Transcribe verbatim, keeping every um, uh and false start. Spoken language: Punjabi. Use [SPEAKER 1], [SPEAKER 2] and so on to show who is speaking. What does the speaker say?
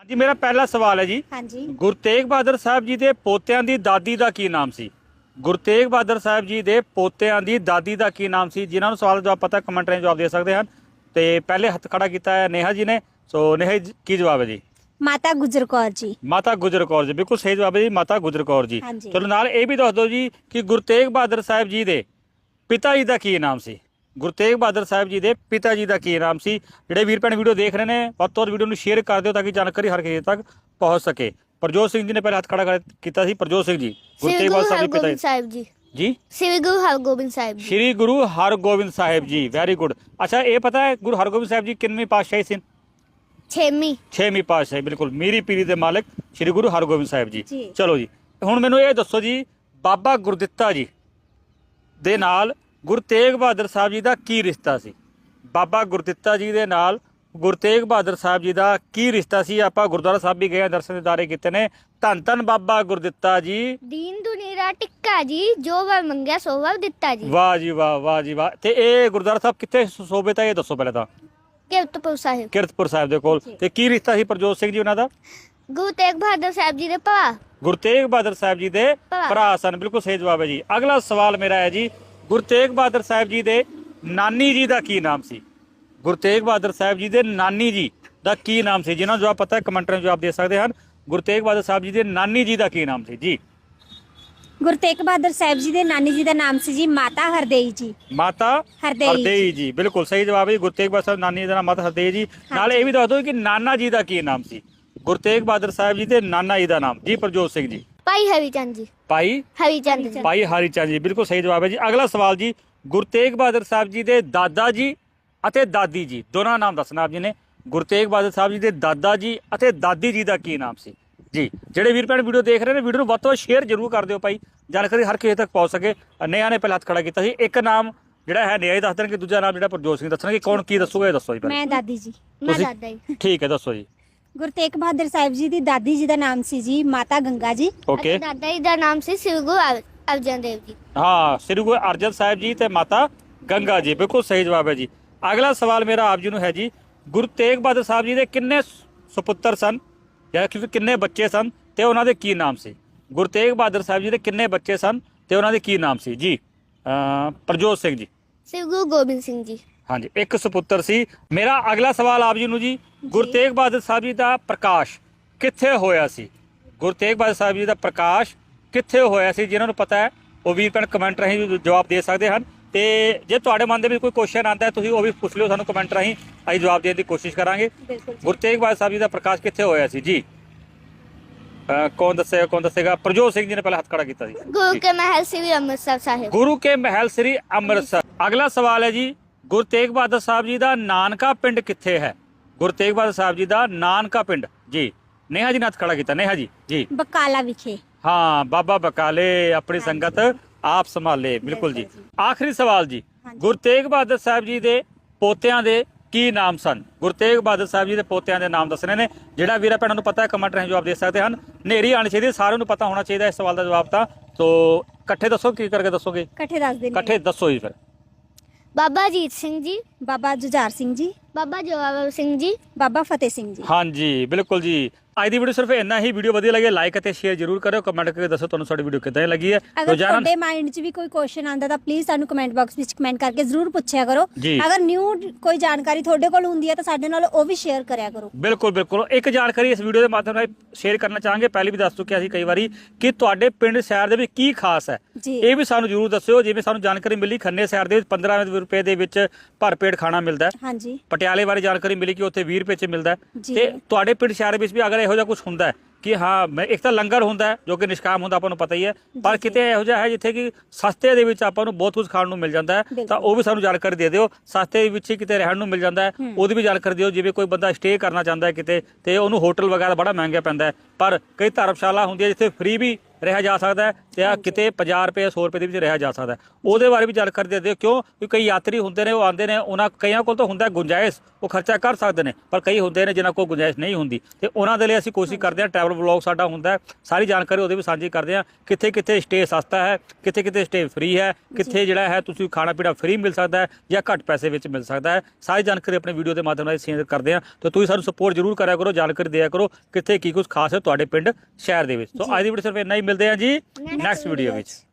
[SPEAKER 1] जी मेरा पहला सवाल है जी।
[SPEAKER 2] हाँ जी।
[SPEAKER 1] गुरु तेग बहादुर साहब जी दे पोतियां दी दादी दा की नाम सी? गुरु तेग बहादुर साहब जी दे पोतियां दी दादी दा की नाम सी? जिन्हां नूं सवाल जवाब पता कमेंट राਹੀਂ जवाब दे सकते हैं। तो पहले हथ खड़ा किया है नेहा जी ने। सो नेहा जी की जवाब है जी?
[SPEAKER 2] माता गुजर कौर जी।
[SPEAKER 1] माता गुजर कौर जी, बिल्कुल सही जवाब है जी, माता गुजर कौर जी।
[SPEAKER 2] हाँ जी।
[SPEAKER 1] चलो नाल ये भी दस दो जी कि गुरु तेग बहादुर साहब जी दे पिता जी का की नाम सी? गुरु तेग बहादुर साहब जी के पिता जी का की नाम से? ਜਿਹੜੇ ਵੀਰ ਭੈਣ ਵੀਡੀਓ ਦੇਖ ਰਹੇ ਨੇ ਵੱਧ ਤੋਂ ਵੱਧ ਵੀਡੀਓ ਨੂੰ ਸ਼ੇਅਰ ਕਰ ਦਿਓ ਤਾਂ ਕਿ ਜਾਣਕਾਰੀ ਹਰ ਕਿਸੇ ਤੱਕ ਪਹੁੰਚ ਸਕੇ। ਪ੍ਰਜੋਤ ਸਿੰਘ ਜੀ ਨੇ ਪਹਿਲਾਂ ਹੱਥ ਖੜਾ ਕੀਤਾ ਸੀ। ਪ੍ਰਜੋਤ ਸਿੰਘ ਜੀ ਗੁਰੂ ਤੇਗ ਬਹਾਦਰ ਸਾਹਿਬ ਦੇ ਪਿਤਾ
[SPEAKER 3] ਸਾਹਿਬ ਜੀ
[SPEAKER 1] ਜੀ
[SPEAKER 3] ਸ੍ਰੀ ਗੁਰੂ ਹਰਗੋਬਿੰਦ ਸਾਹਿਬ ਜੀ।
[SPEAKER 1] ਸ਼੍ਰੀ ਗੁਰੂ ਹਰਗੋਬਿੰਦ ਸਾਹਿਬ ਜੀ, ਵੈਰੀ ਗੁੱਡ। ਅੱਛਾ ਇਹ ਪਤਾ ਹੈ ਗੁਰੂ ਹਰਗੋਬਿੰਦ ਸਾਹਿਬ ਜੀ ਕਿੰਨਵੇਂ ਪਾਤਸ਼ਾਹੀ ਸੀ?
[SPEAKER 3] ਛੇਵੀਂ
[SPEAKER 1] ਛੇਵੀਂ ਪਾਤਸ਼ਾਹੀ, ਬਿਲਕੁਲ ਮੀਰੀ ਪੀਰੀ ਦੇ ਮਾਲਕ ਸ਼੍ਰੀ ਗੁਰੂ ਹਰਗੋਬਿੰਦ ਸਾਹਿਬ ਜੀ।
[SPEAKER 2] ਜੀ।
[SPEAKER 1] ਚਲੋ ਜੀ ਹੁਣ ਮੈਨੂੰ ਇਹ ਦੱਸੋ ਜੀ ਬਾਬਾ ਗੁਰਦਿੱਤਾ ਜੀ ਦੇ ਨਾਲ ਗੁਰੂ ਤੇਗ ਬਹਾਦਰ ਸਾਹਿਬ ਜੀ ਦਾ ਕੀ ਰਿਸ਼ਤਾ ਸੀ? ਬਾਬਾ ਗੁਰਦਿੱਤਾ ਜੀ ਦੇ ਨਾਲ ਗੁਰੂ ਤੇਗ ਬਹਾਦਰ ਸਾਹਿਬ ਜੀ ਦਾ ਕੀ ਰਿਸ਼ਤਾ ਸੀ? ਆਪਾਂ ਗੁਰਦੁਆਰਾ ਸਾਹਿਬ ਵੀ ਗਏ, ਦਰਸ਼ਨ ਦਿਦਾਰੇ ਕੀਤੇ ਨੇ। ਧੰਨ ਧੰਨ ਬਾਬਾ ਗੁਰਦਿੱਤਾ ਜੀ,
[SPEAKER 3] ਦੀਨ ਦੁਨੀਰਾ ਟਿੱਕਾ ਜੀ, ਜੋ ਵਰ ਮੰਗਿਆ ਸੋ ਵਰ ਦਿੱਤਾ ਜੀ।
[SPEAKER 1] ਵਾਹ ਜੀ ਵਾਹ, ਵਾਹ ਜੀ ਵਾਹ। ਤੇ ਇਹ ਗੁਰਦੁਆਰਾ ਸਾਹਿਬ ਕਿੱਥੇ ਸੋਭੇ ਤਾਂ ਇਹ ਦੱਸੋ ਪਹਿਲਾਂ ਤਾਂ।
[SPEAKER 3] ਕੀਰਤਪੁਰ ਸਾਹਿਬ।
[SPEAKER 1] ਕੀਰਤਪੁਰ ਸਾਹਿਬ ਦੇ ਕੋਲ। ਤੇ ਕੀ ਰਿਸ਼ਤਾ ਸੀ ਪ੍ਰਜੋਤ ਸਿੰਘ ਜੀ ਉਹਨਾਂ ਦਾ?
[SPEAKER 3] ਗੁਰੂ ਤੇਗ ਬਹਾਦਰ ਸਾਹਿਬ ਜੀ ਦੇ ਭਰਾ।
[SPEAKER 1] ਗੁਰੂ ਤੇਗ ਬਹਾਦਰ ਸਾਹਿਬ ਜੀ ਦੇ ਭਰਾ ਸਨ, ਬਿਲਕੁਲ ਸਹੀ ਜਵਾਬ ਹੈ ਜੀ। ਅਗਲਾ ਸਵਾਲ ਮੇਰਾ ਹੈ ਜੀ ਗੁਰੂ ਤੇਗ ਬਹਾਦਰ ਸਾਹਿਬ ਜੀ ਦੇ ਨਾਨੀ ਜੀ ਦਾ ਕੀ ਨਾਮ ਸੀ? ਗੁਰੂ ਤੇਗ ਬਹਾਦਰ ਸਾਹਿਬ ਜੀ ਦੇ ਨਾਨੀ ਜੀ ਦਾ ਕੀ ਨਾਮ ਸੀ? ਜਿਨ੍ਹਾਂ ਨੂੰ ਜਵਾਬ ਪਤਾ ਹੈ ਕਮੈਂਟ ਰਾਹੀਂ ਜਵਾਬ ਦੇ ਸਕਦੇ ਹਨ। ਗੁਰੂ ਤੇਗ ਬਹਾਦਰ ਸਾਹਿਬ ਜੀ ਦੇ ਨਾਨੀ ਜੀ ਦਾ ਕੀ ਨਾਮ ਸੀ ਜੀ?
[SPEAKER 2] ਗੁਰੂ ਤੇਗ ਬਹਾਦਰ ਸਾਹਿਬ ਜੀ ਦੇ ਨਾਨੀ ਜੀ ਦਾ ਨਾਮ ਸੀ ਜੀ ਮਾਤਾ ਹਰਦੇਈ ਜੀ।
[SPEAKER 1] ਮਾਤਾ
[SPEAKER 2] ਹਰਦੇਈ
[SPEAKER 1] ਹਰਦੇਈ ਜੀ, ਬਿਲਕੁਲ ਸਹੀ ਜਵਾਬ ਹੈ। ਗੁਰੂ ਤੇਗ ਬਹਾਦਰ ਸਾਹਿਬ ਨਾਨੀ ਜੀ ਦਾ ਨਾਮ ਮਾਤਾ ਹਰਦੇਈ ਜੀ। ਨਾਲ ਇਹ ਵੀ ਦੱਸ ਦਿਓ ਕਿ ਨਾਨਾ ਜੀ ਦਾ ਕੀ ਨਾਮ ਸੀ? ਗੁਰੂ ਤੇਗ ਬਹਾਦਰ ਸਾਹਿਬ ਜੀ ਦੇ ਨਾਨਾ ਜੀ ਦਾ ਨਾਮ ਜੀ ਪ੍ਰਜੋਤ ਸਿੰਘ ਜੀ।
[SPEAKER 3] ਭਾਈ ਹਰੀ ਚੰਦ ਜੀ।
[SPEAKER 1] ਭਾਈ
[SPEAKER 3] ਹਰੀ ਚੰਦ ਜੀ।
[SPEAKER 1] ਭਾਈ ਹਰੀ ਚੰਦ ਜੀ, ਬਿਲਕੁਲ ਸਹੀ ਜਵਾਬ ਹੈ ਜੀ। ਅਗਲਾ ਸਵਾਲ ਜੀ ਗੁਰੂ ਤੇਗ ਬਹਾਦਰ ਸਾਹਿਬ ਜੀ ਦੇ ਦਾਦਾ ਜੀ ਅਤੇ ਦਾਦੀ ਜੀ ਦੋਨਾਂ ਨਾਮ ਦੱਸਣਾ ਆਪ ਜੀ ਨੇ। ਗੁਰੂ ਤੇਗ ਬਹਾਦਰ ਸਾਹਿਬ ਜੀ ਦੇ ਦਾਦਾ ਜੀ ਅਤੇ ਦਾਦੀ ਜੀ ਦਾ ਕੀ ਨਾਮ ਸੀ ਜੀ? ਜਿਹੜੇ ਵੀਰ ਭੈਣ ਵੀਡੀਓ ਦੇਖ ਰਹੇ ਨੇ ਵੀਡੀਓ ਨੂੰ ਵੱਧ ਤੋਂ ਵੱਧ ਸ਼ੇਅਰ ਜ਼ਰੂਰ ਕਰ ਦਿਓ ਭਾਈ, ਜਾਣਕਾਰੀ ਹਰ ਕਿਸੇ ਤੱਕ ਪਹੁੰਚ ਸਕੇ। ਨੇਹਾ ਨੇ ਪਹਿਲਾਂ ਹੱਥ ਖੜਾ ਕੀਤਾ ਸੀ। ਇੱਕ ਨਾਮ ਜਿਹੜਾ ਹੈ ਨੇਹਾ ਹੀ ਦੱਸ ਦੇਣਗੇ, ਦੂਜਾ ਨਾਮ ਜਿਹੜਾ ਪ੍ਰਜੋਤ ਸਿੰਘ ਦੱਸਣਗੇ। ਕੌਣ ਕੀ ਦੱਸੂਗਾ ਇਹ ਦੱਸੋ ਜੀ ਪਹਿਲਾਂ।
[SPEAKER 2] ਮੈਂ ਦਾਦੀ ਜੀ।
[SPEAKER 3] ਮੈਂ
[SPEAKER 1] ਤੁਸੀਂ-
[SPEAKER 3] ਦਾਦਾ ਜੀ।
[SPEAKER 1] ਠੀਕ ਹੈ ਦੱਸੋ ਜੀ।
[SPEAKER 2] ਗੁਰੂ ਤੇਗ ਬਹਾਦਰ ਸਾਹਿਬ ਜੀ ਦੀ ਦਾਦੀ ਜੀ ਦਾ ਨਾਮ ਸੀ ਜੀ ਮਾਤਾ ਗੰਗਾ ਜੀ।
[SPEAKER 1] ਓਕੇ।
[SPEAKER 3] ਅਤੇ ਦਾਦਾ ਜੀ ਦਾ ਨਾਮ ਸੀ ਸ੍ਰੀ ਗੁਰੂ ਅਰ- ਅਰਜਨ ਦੇਵ ਜੀ।
[SPEAKER 1] ਹਾਂ, ਸ੍ਰੀ ਗੁਰੂ ਅਰਜਨ ਸਾਹਿਬ ਜੀ ਤੇ ਮਾਤਾ ਗੰਗਾ ਜੀ, ਬਿਲਕੁਲ ਸਹੀ ਜਵਾਬ ਹੈ ਜੀ। ਅਗਲਾ ਸਵਾਲ ਮੇਰਾ ਆਪ ਜੀ ਨੂੰ ਹੈ ਜੀ ਗੁਰੂ ਤੇਗ ਬਹਾਦਰ ਸਾਹਿਬ ਜੀ ਦੇ ਕਿੰਨੇ ਸੁਪੁੱਤਰ ਸਨ ਜਾਂ ਕਿ ਕਿੰਨੇ ਬੱਚੇ ਸਨ ਤੇ ਉਹਨਾਂ ਦੇ ਕੀ ਨਾਮ ਸੀ? ਗੁਰੂ ਤੇਗ ਬਹਾਦਰ ਸਾਹਿਬ ਜੀ ਦੇ ਕਿੰਨੇ ਬੱਚੇ ਸਨ ਤੇ ਉਹਨਾਂ ਦੇ ਕੀ ਨਾਮ ਸੀ ਜੀ? ਅ ਪ੍ਰਜੋਤ ਸਿੰਘ ਜੀ।
[SPEAKER 3] ਸ੍ਰੀ ਗੁਰੂ ਗੋਬਿੰਦ ਸਿੰਘ ਜੀ।
[SPEAKER 1] ਹਾਂਜੀ, ਇੱਕ ਸੁਪੁੱਤਰ ਸੀ। ਮੇਰਾ ਅਗਲਾ ਸਵਾਲ ਆਪ ਜੀ ਨੂੰ ਜੀ ਗੁਰੂ ਤੇਗ ਬਹਾਦਰ ਸਾਹਿਬ ਜੀ ਦਾ ਪ੍ਰਕਾਸ਼ ਕਿੱਥੇ ਹੋਇਆ ਸੀ? ਗੁਰੂ ਤੇਗ ਬਹਾਦਰ ਸਾਹਿਬ ਜੀ ਦਾ ਪ੍ਰਕਾਸ਼ ਕਿੱਥੇ ਹੋਇਆ ਸੀ? ਜਿਨ੍ਹਾਂ ਨੂੰ ਪਤਾ ਹੈ ਉਹ ਵੀ ਭੈਣ ਕਮੈਂਟ ਰਾਹੀਂ ਜਵਾਬ ਦੇ ਸਕਦੇ ਹਨ। ਤੇ ਜੇ ਤੁਹਾਡੇ ਮਨ ਦੇ ਵਿੱਚ ਕੋਈ ਕੁਐਸਚਨ ਆਉਂਦਾ ਹੈ ਤੁਸੀਂ ਉਹ ਵੀ ਪੁੱਛ ਲਿਓ ਸਾਨੂੰ ਕਮੈਂਟ ਰਾਹੀਂ, ਅਸੀਂ ਜਵਾਬ ਦੇਣ ਦੀ ਕੋਸ਼ਿਸ਼ ਕਰਾਂਗੇ। ਗੁਰੂ ਤੇਗ ਬਹਾਦਰ ਸਾਹਿਬ ਜੀ ਦਾ ਪ੍ਰਕਾਸ਼ ਕਿੱਥੇ ਹੋਇਆ ਸੀ ਜੀ? ਕੌਣ ਦੱਸੇਗਾ ਕੌਣ ਦੱਸੇਗਾ? ਪ੍ਰਜੋਤ ਸਿੰਘ ਜੀ ਨੇ ਪਹਿਲਾਂ ਹੱਥ ਖੜਾ ਕੀਤਾ ਸੀ।
[SPEAKER 3] ਗੁਰੂ ਕੇ ਮਹਿਲ ਸ੍ਰੀ ਅੰਮ੍ਰਿਤਸਰ ਸਾਹਿਬ।
[SPEAKER 1] ਗੁਰੂ ਕੇ ਮਹਿਲ ਸ੍ਰੀ ਅੰਮ੍ਰਿਤਸਰ। ਅਗਲਾ ਸਵਾਲ ਹੈ ਜੀ ਗੁਰੂ ਤੇਗ ਬਹਾਦਰ ਸਾਹਿਬ ਜੀ ਦਾ ਨਾਨਕਾ ਪਿੰਡ ਕਿੱਥੇ ਹੈ? ਗੁਰੂ ਤੇਗ ਬਹਾਦਰ ਸਾਹਿਬ ਜੀ ਦਾ ਨਾਨਕਾ ਪਿੰਡ ਜੀ। ਨੇਹਾ ਜੀ ਨੇ ਹੱਥ ਖੜਾ ਕੀਤਾ। ਨੇਹਾ ਜੀ ਜੀ।
[SPEAKER 2] ਬਕਾਲਾ ਵਿਖੇ।
[SPEAKER 1] ਹਾਂ, ਬਾਬਾ ਬਕਾਲੇ ਆਪਣੀ ਸੰਗਤ ਆਪ ਸੰਭਾਲੇ, ਬਿਲਕੁਲ ਜੀ। ਆਖਰੀ ਸਵਾਲ ਜੀ ਗੁਰੂ ਤੇਗ ਬਹਾਦਰ ਸਾਹਿਬ ਜੀ ਦੇ ਪੋਤਿਆਂ ਦੇ ਕੀ ਨਾਮ ਸਨ? ਗੁਰੂ ਤੇਗ ਬਹਾਦਰ ਸਾਹਿਬ ਜੀ ਦੇ ਪੋਤਿਆਂ ਦੇ ਨਾਮ ਦੱਸਣੇ ਨੇ। ਜਿਹੜਾ ਵੀਰਾਂ ਭੈਣਾਂ ਨੂੰ ਪਤਾ ਹੈ ਕਮੈਂਟ ਰਾਹੀਂ ਜਵਾਬ ਦੇ ਸਕਦੇ ਹਨ। ਨੇਰੀ ਆਣੀ ਚਾਹੀਦੀ, ਸਾਰਿਆਂ ਨੂੰ ਪਤਾ ਹੋਣਾ ਚਾਹੀਦਾ ਇਸ ਸਵਾਲ ਦਾ ਜਵਾਬ ਤਾਂ। ਸੋ ਇਕੱਠੇ ਦੱਸੋ, ਕੀ ਕਰਕੇ ਦੱਸੋਗੇ?
[SPEAKER 2] ਇਕੱਠੇ ਦੱਸ ਦਿੰਦੇ।
[SPEAKER 1] ਇਕੱਠੇ ਦੱਸੋ ਜੀ ਫਿਰ।
[SPEAKER 3] ਬਾਬਾ ਅਜੀਤ ਸਿੰਘ ਜੀ।
[SPEAKER 2] ਬਾਬਾ ਜੁਝਾਰ ਸਿੰਘ ਜੀ।
[SPEAKER 3] ਬਾਬਾ ਜੋਰਾਵਰ ਸਿੰਘ ਜੀ।
[SPEAKER 2] ਬਾਬਾ ਫਤਿਹ ਸਿੰਘ ਜੀ।
[SPEAKER 1] ਹਾਂਜੀ ਬਿਲਕੁਲ ਜੀ। ਅੱਜ ਦੀ ਵੀਡੀਓ ਸਿਰਫ ਇੰਨਾ ਹੀ। ਵੀਡੀਓ ਵਧੀਆ ਲੱਗੇ ਲਾਈਕ ਅਤੇ ਸ਼ੇਅਰ ਜ਼ਰੂਰ ਕਰਿਓ। ਕਮੈਂਟ ਕਰਕੇ ਦੱਸੋ ਤੁਹਾਨੂੰ ਸਾਡੀ ਵੀਡੀਓ ਕਿੱਦਾਂ ਲੱਗੀ ਹੈ।
[SPEAKER 2] ਅਗਰ ਤੁਹਾਡੇ ਮਾਈਂਡ 'ਚ ਵੀ ਕੋਈ ਕੁਐਸਚਨ ਆਉਂਦਾ ਤਾਂ ਪਲੀਜ਼ ਸਾਨੂੰ ਕਮੈਂਟ ਬਾਕਸ ਵਿੱਚ ਕਮੈਂਟ ਕਰਕੇ ਜ਼ਰੂਰ ਪੁੱਛਿਆ ਕਰੋ।
[SPEAKER 1] ਜੀ।
[SPEAKER 2] ਅਗਰ ਨਿਊ ਕੋਈ ਜਾਣਕਾਰੀ ਤੁਹਾਡੇ ਕੋਲ ਹੁੰਦੀ ਹੈ ਤਾਂ ਸਾਡੇ ਨਾਲ ਉਹ ਵੀ ਸ਼ੇਅਰ ਕਰਿਆ ਕਰੋ।
[SPEAKER 1] ਬਿਲਕੁਲ ਬਿਲਕੁਲ। ਇੱਕ ਜਾਣਕਾਰੀ ਇਸ ਵੀਡੀਓ ਦੇ ਮਾਧਿਅਮ ਨਾਲ ਸ਼ੇਅਰ ਕਰਨਾ ਚਾਹਾਂਗੇ। ਪਹਿਲੇ ਵੀ ਦੱਸ ਚੁੱਕਿਆ ਸੀ ਕਈ ਵਾਰੀ ਕਿ ਤੁਹਾਡੇ ਪਿੰਡ ਸ਼ਹਿਰ ਦੇ ਵਿੱਚ ਕੀ ਖਾਸ ਹੈ,
[SPEAKER 2] ਜੀ।
[SPEAKER 1] ਇਹ ਵੀ ਸਾਨੂੰ ਜ਼ਰੂਰ ਦੱਸਿਓ। ਜਿਵੇਂ ਸਾਨੂੰ ਜਾਣਕਾਰੀ ਮਿਲੀ ਖੰਨੇ ਸ਼ਹਿਰ ਦੇ ਵਿੱਚ ਪੰਦਰਾਂ ਰੁਪਏ ਦੇ ਵਿੱਚ ਭਰਪੇਟ ਖਾਣਾ ਮਿਲਦਾ ਹੈ।
[SPEAKER 2] ਹਾਂਜੀ।
[SPEAKER 1] ਪਟਿਆਲੇ ਬਾਰੇ ਜਾਣਕਾਰੀ ਮਿਲੀ ਕਿ ਉੱਥੇ ਵੀਹ ਰੁਪਏ 'ਚ ਮਿਲਦਾ ਹੈ।
[SPEAKER 2] ਜੀ।
[SPEAKER 1] ਤੇ ਤੁਹਾਡੇ ਪਿੰਡ ਸ਼ਹਿਰ ਵਿੱਚ ਵੀ ਅਗਰ ਇਹੋ ਜਿਹਾ ਕੁਝ ਹੁੰਦਾ ਹੈ ਕਿ ਹਾਂ ਮੈਂ ਇੱਕ ਤਾਂ ਲੰਗਰ ਹੁੰਦਾ ਹੈ ਜੋ ਕਿ ਨਿਸ਼ਕਾਮ ਹੁੰਦਾ ਆਪਾਂ ਨੂੰ ਪਤਾ ਹੀ ਹੈ, ਪਰ ਕਿਤੇ ਇਹੋ ਜਿਹਾ ਹੈ ਜਿੱਥੇ ਕਿ ਸਸਤੇ ਦੇ ਵਿੱਚ ਆਪਾਂ ਨੂੰ ਬਹੁਤ ਕੁਝ ਖਾਣ ਨੂੰ ਮਿਲ ਜਾਂਦਾ ਹੈ, ਤਾਂ ਉਹ ਵੀ ਸਾਨੂੰ ਜਾਣਕਾਰੀ ਦੇ ਦਿਓ। ਸਸਤੇ ਦੇ ਵਿੱਚ ਕਿਤੇ ਰਹਿਣ ਨੂੰ ਮਿਲ ਜਾਂਦਾ ਹੈ, ਉਹਦੀ ਵੀ ਜਾਣਕਾਰੀ ਦਿਓ। ਜਿਵੇਂ ਕੋਈ ਬੰਦਾ ਸਟੇ ਕਰਨਾ ਚਾਹੁੰਦਾ ਹੈ ਕਿਤੇ ਤੇ ਉਹਨੂੰ ਹੋਟਲ ਵਗੈਰਾ ਬੜਾ ਮਹਿੰਗਾ ਪੈਂਦਾ ਹੈ, ਪਰ ਕਈ ਧਰਮਸ਼ਾਲਾ ਹੁੰਦੀ ਹੈ ਜਿੱਥੇ ਫ੍ਰੀ ਵੀ ਰਿਹਾ ਜਾ ਸਕਦਾ ਹੈ ਤੇ ਆ ਕਿਤੇ ਪੰਜਾਹ ਰੁਪਏ ਸੌ ਰੁਪਏ ਦੇ ਵਿੱਚ ਰਿਹਾ ਜਾ ਸਕਦਾ ਹੈ। ਉਹਦੇ ਬਾਰੇ ਵੀ ਜਾਣਕਾਰੀ ਦੇ ਦਿਓ, ਕਿਉਂ ਕਿ ਕਈ ਯਾਤਰੀ ਹੁੰਦੇ ਨੇ, ਉਹ ਆਉਂਦੇ ਨੇ, ਉਹਨਾਂ ਕਈਆਂ ਕੋਲ ਤਾਂ ਹੁੰਦਾ ਗੁੰਜਾਇਸ਼, ਉਹ ਖਰਚਾ ਕਰ ਸਕਦੇ ਨੇ, ਪਰ ਕਈ ਹੁੰਦੇ ਨੇ ਜਿਨ੍ਹਾਂ ਕੋਲ ਗੁੰਜਾਇਸ਼ ਨਹੀਂ ਹੁੰਦੀ, ਤੇ ਉਹਨਾਂ ਦੇ ਲਈ ਅਸੀਂ ਕੋਸ਼ਿਸ਼ ਕਰਦੇ ਹਾਂ, ਟਰੈਵਲ ਵਲੌਗ ਸਾਡਾ ਹੁੰਦਾ ਹੈ, ਸਾਰੀ ਜਾਣਕਾਰੀ ਉਹਦੇ ਵੀ ਸਾਂਝੀ ਕਰਦੇ ਹਾਂ, ਕਿੱਥੇ ਕਿੱਥੇ ਸਟੇ ਸਸਤਾ ਹੈ, ਕਿੱਥੇ ਕਿੱਥੇ ਸਟੇ ਫ੍ਰੀ ਹੈ, ਕਿੱਥੇ ਜਿਹੜਾ ਹੈ ਤੁਸੀਂ ਖਾਣਾ ਪੀਣਾ ਫ੍ਰੀ ਮਿਲ ਸਕਦਾ ਹੈ ਜਾਂ ਘੱਟ ਪੈਸੇ ਵਿੱਚ ਮਿਲ ਸਕਦਾ ਹੈ। ਸਾਰੀ ਜਾਣਕਾਰੀ ਆਪਣੇ ਵੀਡੀਓ ਦੇ ਮਾਧਿਅਮ ਨਾਲ ਸ਼ੇਅਰ ਕਰਦੇ ਹਾਂ, ਤਾਂ ਤੁਸੀਂ ਸਾਨੂੰ ਸਪੋਰਟ ਜ਼ਰੂਰ ਕਰਿਆ ਕਰੋ, ਜਾਣਕਾਰੀ ਦਿਆ ਕਰੋ ਕਿੱਥੇ ਕੀ ਕੁਝ ਖਾਸ ਹੈ ਤੁਹਾਡੇ ਪਿੰਡ ਸ਼ਹਿਰ ਦੇ ਵਿੱਚ। ਸੋ ਅੱਜ ਦੀ ਵੀਡੀਓ ਸਿਰਫ ਇੰਨਾ ਹੀ, ਮਿਲਦੇ ਹਾਂ ਜੀ ਨੈਕਸਟ ਵੀਡੀਓ ਵਿੱਚ।